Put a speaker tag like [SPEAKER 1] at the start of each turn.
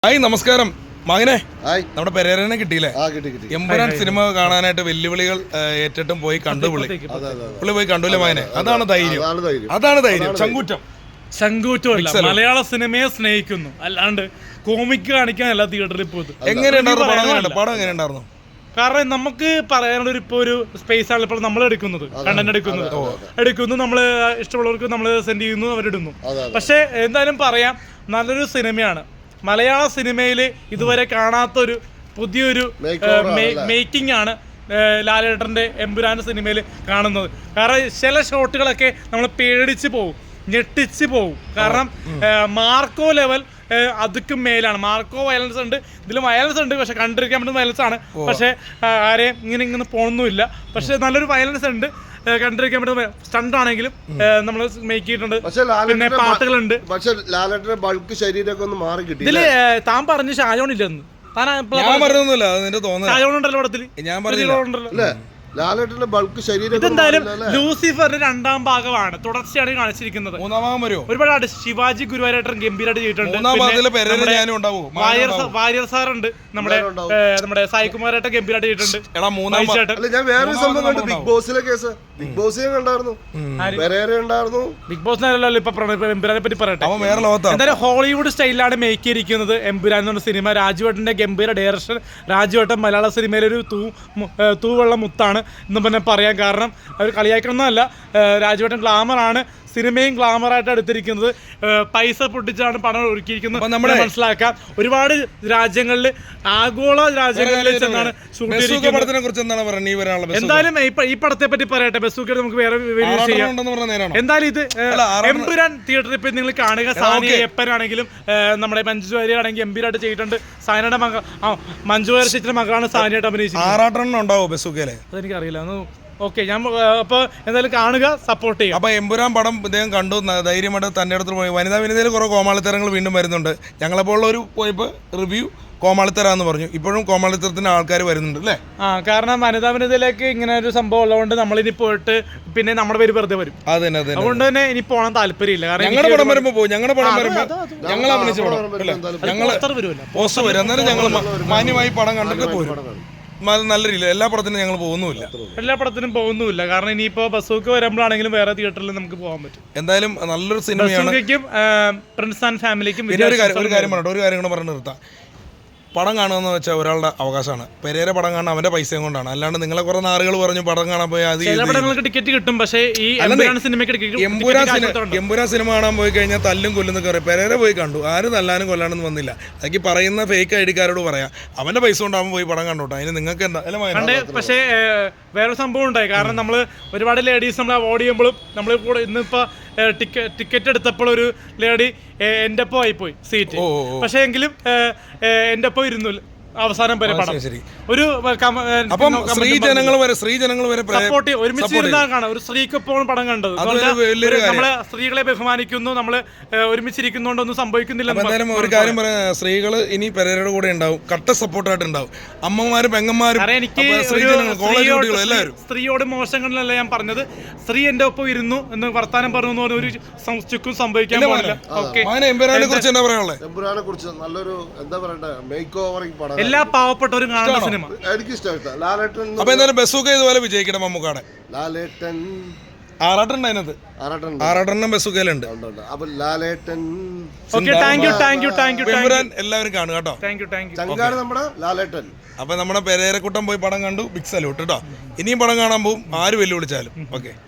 [SPEAKER 1] Hi നമസ്കാരം മകനെ. നമ്മുടെ പെരേരനെ കിട്ടിയില്ലേ? എമ്പുരാൻ സിനിമ കാണാനായിട്ട് വെല്ലുവിളികൾ ഏറ്റിട്ടും പോയി കണ്ടു. പുള്ളി പോയി കണ്ടുല്ലേ മകനെ? അതാണ് ധൈര്യം.
[SPEAKER 2] ചങ്കൂറ്റമല്ല, മലയാള സിനിമയെ സ്നേഹിക്കുന്നു, അല്ലാണ്ട് കോമിക്ക് കാണിക്കാനല്ല തിയേറ്ററിൽ പോയത്.
[SPEAKER 1] എങ്ങനെയുണ്ടായിരുന്നു പടം? എങ്ങനെയുണ്ടായിരുന്നു?
[SPEAKER 2] കാരണം നമുക്ക് പറയാനുള്ള ഒരു സ്പേസ് ആണ് ഇപ്പോൾ നമ്മൾ എടുക്കുന്നത്, കണ്ടന്റ് എടുക്കുന്നു, നമ്മൾ ഇഷ്ടമുള്ളവർക്ക് നമ്മൾ സെൻഡ് ചെയ്യുന്നു, അവരിടുന്നു. പക്ഷെ എന്തായാലും പറയാം, നല്ലൊരു സിനിമയാണ്. മലയാള സിനിമയിൽ ഇതുവരെ കാണാത്തൊരു പുതിയൊരു മേക്കിംഗ് ആണ് ലാലേട്ടൻ്റെ എമ്പുരാൻ സിനിമയിൽ കാണുന്നത്. കാരണം ചില ഷോട്ടുകളൊക്കെ നമ്മൾ പേടിച്ച് പോകും, ഞെട്ടിച്ച് പോകും. കാരണം മാർക്കോ ലെവൽ അതുക്കും മേലാണ്. മാർക്കോ വയലൻസ് ഉണ്ട്, ഇതിലും വയലൻസ് ഉണ്ട്, പക്ഷെ കണ്ടിരിക്കാൻ പറ്റുന്ന വയലൻസ് ആണ്. പക്ഷെ ആരെയും ഇങ്ങനെ പോകുന്നില്ല. പക്ഷെ നല്ലൊരു വയലൻസ് ഉണ്ട്, കണ്ടിരിക്കാൻ പറ്റുന്ന സ്റ്റണ്ട് ആണെങ്കിലും നമ്മൾ മേക്ക് ചെയ്തിട്ടുണ്ട്. പിന്നെ പാട്ടുകളുണ്ട്.
[SPEAKER 3] പക്ഷെ ലാലേട്ടന്റെ ബൾക്ക് ശരീരമൊക്കെ ഒന്ന് മാറി കിട്ടി.
[SPEAKER 2] ഇതില് താൻ പറഞ്ഞു ഷാജോൺ ഇല്ലെന്ന്. ഷാജോൺ ഉണ്ടല്ലോ പടത്തിൽ.
[SPEAKER 3] ലാലേട്ടന്റെ ബൾക്ക് ശരീരം.
[SPEAKER 2] ഇതെന്തായാലും ലൂസിഫറിന്റെ രണ്ടാം ഭാഗമാണ്, തുടർച്ചയാണ് കാണിച്ചിരിക്കുന്നത്. ഒരുപാട് ശിവാജി ഗുരുവായൂരേട്ടൻ ഗംഭീരമായിട്ട് ചെയ്തിട്ടുണ്ട്. വാര്യർ സാർ ഉണ്ട്, നമ്മുടെ സായികുമാരേട്ടൻ ഗംഭീരമായിട്ട് ചെയ്തിട്ടുണ്ട്.
[SPEAKER 3] ഞാൻ വേറൊരു സംഭവം കണ്ടു, ബിഗ് ബോസിലെ കേസ്. ബിഗ് ബോസിനെ കണ്ടായിരുന്നു,
[SPEAKER 2] ബിഗ് ബോസിനല്ലോ ഇപ്പൊ എമ്പുരാനെ പറ്റി പറയട്ടെ. എന്തായാലും ഹോളിവുഡ് സ്റ്റൈലിലാണ് മേക്ക് ചെയ്തിരിക്കുന്നത് എമ്പുരാൻ എന്ന സിനിമ. രാജുവേട്ടന്റെ ഗംഭീര ഡയറക്ഷൻ. രാജുവേട്ടൻ മലയാള സിനിമയിലൊരു തൂവെള്ള മുത്താണ് എന്ന് പിന്നെ പറയാൻ കാരണം അവർ കളിയാക്കണമെന്നല്ല. രാജുവേട്ടൻ ഗ്ലാമറാണ്, സിനിമയും ഗ്ലാമറായിട്ട് എടുത്തിരിക്കുന്നത്. പൈസ പൊട്ടിച്ചാണ് പണം ഒരുക്കിയിരിക്കുന്നത് നമ്മൾ മനസ്സിലാക്കാം. ഒരുപാട് രാജ്യങ്ങളിൽ, ആഗോള രാജ്യങ്ങളിൽ ചെന്നാണ് ഷൂട്ട് ചെയ്തിരിക്കുന്നത്. എന്തായാലും ഈ പടത്തെ പറ്റി പറയട്ടെ, ബസൂക്കയുടെ നമുക്ക് വേറെ ചെയ്യാം. എന്തായാലും ഇത് എമ്പുരാൻ തിയേറ്ററിൽ പോയി നിങ്ങൾ കാണുക. സാനി എപ്പനാണെങ്കിലും നമ്മുടെ മഞ്ജു വാര്യർ ആണെങ്കിൽ ഗംഭീരമായിട്ട് ചെയ്തിട്ടുണ്ട്. സാനിയുടെ മഞ്ജു വാര്യർ ചേച്ചിയുടെ മകളാണ് സാനിയായിട്ട് അഭിനയിച്ചത്. അതെനിക്കറിയില്ല. ഓക്കെ, ഞാൻ അപ്പോൾ എന്തായാലും കാണുക, സപ്പോർട്ട് ചെയ്യുക.
[SPEAKER 1] അപ്പോൾ എമ്പുരാൻ പടം ഇദ്ദേഹം കണ്ടു, ധൈര്യമായിട്ട് തൻ്റെ അടുത്ത് പോയി. വിനതയിൽ കുറേ കോമാളിത്തരങ്ങൾ വീണ്ടും വരുന്നുണ്ട്. ഞങ്ങളെപ്പോലുള്ളൊരു പോയപ്പോൾ റിവ്യൂ കോമാളിത്തരാന്ന് പറഞ്ഞു. ഇപ്പോഴും കോമാളിത്തരത്തിന് ആൾക്കാർ വരുന്നുണ്ട് അല്ലേ?
[SPEAKER 2] കാരണം വിനതയിലേക്ക് ഇങ്ങനെ ഒരു സംഭവം ഉള്ളതുകൊണ്ട് നമ്മളിനി പോയിട്ട് പിന്നെ നമ്മുടെ പേര് വെറുതെ വരും. അതുകൊണ്ട് തന്നെ ഇനി പോകാൻ താല്പര്യമില്ല. കാരണം
[SPEAKER 1] ഞങ്ങളുടെ പടം വരുമ്പോൾ പോകും, ഞങ്ങൾ അഭിനയിച്ച പടം ഞങ്ങൾ പോസ്റ്റർ വരും. എന്നാലും ഞങ്ങൾ മാന്യമായി പടം കണ്ടിട്ട് പോരും. നല്ല രീതിയിൽ എല്ലാ പടത്തിനും ഞങ്ങൾ
[SPEAKER 2] പോകുന്നുമില്ല. കാരണം ഇനിയിപ്പോ ബസൂക്ക് വരുമ്പോഴാണെങ്കിലും വേറെ തിയേറ്ററിൽ നമുക്ക് പോകാൻ പറ്റും.
[SPEAKER 1] എന്തായാലും നല്ലൊരു സിനിമയാണ്.
[SPEAKER 2] പ്രിൻസ് ആൻഡ് ഫാമിലിക്കും.
[SPEAKER 1] ഒരു കാര്യം കൂടെ പറഞ്ഞു നിർത്താം. പടം കാണുമെന്ന് വെച്ചാൽ ഒരാളുടെ അവകാശമാണ്. പെരേര പടം കാണാൻ അവന്റെ പൈസയും കൊണ്ടാണ്. അല്ലാണ്ട് നിങ്ങളെ കുറെ നാളുകൾ പറഞ്ഞു പടം കാണാൻ പോയി
[SPEAKER 2] ടിക്കറ്റ് കിട്ടും. പക്ഷേ ഈ
[SPEAKER 1] എമ്പുരാൻ സിനിമ കാണാൻ പോയി കഴിഞ്ഞാൽ തല്ലും കൊല്ലുന്ന കയറി. പെരേര പോയി കണ്ടു, ആരും തല്ലാനും കൊല്ലാനൊന്നും വന്നില്ല. അതൊക്കെ പറയുന്ന ഫേക്ക് ഐഡിക്കാരോട് പറയാം, അവന്റെ പൈസ കൊണ്ടാകുമ്പോൾ പോയി പടം കണ്ടോട്ടെ. അതിന് നിങ്ങൾക്ക് എന്താ?
[SPEAKER 2] പക്ഷേ വേറൊരു സംഭവം ഉണ്ടായി. കാരണം നമ്മൾ ഒരുപാട് ലേഡീസ് നമ്മൾ അവോയ്ഡ് ചെയ്യുമ്പോഴും നമ്മൾ കൂടെ ഇന്നിപ്പോ ടിക്കറ്റ് എടുത്തപ്പോൾ ഒരു ലേഡി എൻ്റെ ഒപ്പം ആയിപ്പോയി സീറ്റ്. പക്ഷേ എങ്കിലും എൻ്റെ ഒപ്പം ഇരുന്നു അവസാനം വരെ പടം. ഒരു സപ്പോർട്ട് ഒരുമിച്ചിരുന്നാണ് കാണാം. ഒരു സ്ത്രീക്കൊപ്പം പടം കണ്ടത്. നമ്മള് സ്ത്രീകളെ ബഹുമാനിക്കുന്നു, നമ്മള് ഒരുമിച്ചിരിക്കുന്നോണ്ടൊന്നും സംഭവിക്കുന്നില്ല.
[SPEAKER 1] ഒരു കാര്യം പറയാം, സ്ത്രീകള് ഇനി പെരേരയുടെ കൂടെ ഉണ്ടാവും, കട്ട സപ്പോർട്ടായിട്ട് ഉണ്ടാവും. അമ്മമാരും പെങ്ങന്മാരും.
[SPEAKER 2] എനിക്ക് സ്ത്രീയോട് മോശങ്ങളിലല്ല ഞാൻ പറഞ്ഞത്. സ്ത്രീ എന്റെ ഒപ്പം ഇരുന്നു എന്ന് വർത്താനം പറഞ്ഞു ഒരു ചുക്കും സംഭവിക്കാൻ പാടില്ല. എല്ലാ പാവപ്പെട്ടവരും കാണുന്ന സിനിമ.
[SPEAKER 1] അപ്പൊ എന്തായാലും ബസൂക്ക ഇതുപോലെ വിജയിക്കണം. മമ്മൂക്കാടെ ആറാട്ടെണ്ണം ബസൂക്കയിലുണ്ട്. എല്ലാവരും കാണും കേട്ടോ. അപ്പൊ നമ്മുടെ പെരേരക്കുട്ടം പോയി പടം കണ്ടു. ബിഗ് സല്യൂട്ട് കേട്ടോ. ഇനിയും പടം കാണാൻ പോകും, ആര് വെല്ലുവിളിച്ചാലും. ഓക്കെ.